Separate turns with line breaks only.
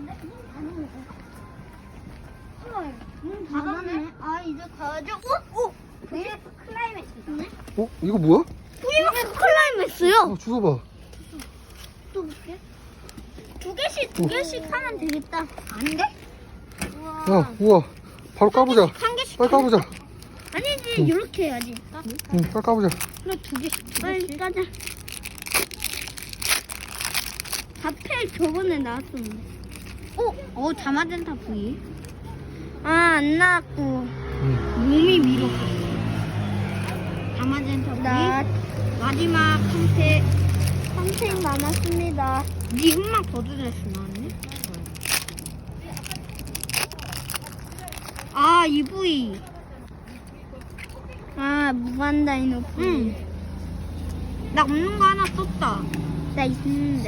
닫았네. 아, 이제 가야죠. VF 클라이맥스 있네.
이거 뭐야?
VF 클라이맥스요.
주워봐.
또 볼게. 두 개씩 하면 되겠다. 안 돼?
야, 우와. 바로 까보자.
한 개씩.
빨리 까보자.
아니지, 이렇게 해야지.
응, 빨리 까보자.
그래, 두 개씩. 빨리 까자. 다펠 저번에 나왔었는데. 다마젠타 V. 안 나왔고. 몸이 밀었어. 다마젠타 V. 마지막 선택 남았습니다. 니 흑막 버드레스 나왔네? EV. 무한다이노 V. 나 없는 거 하나 썼다. 나 있는데.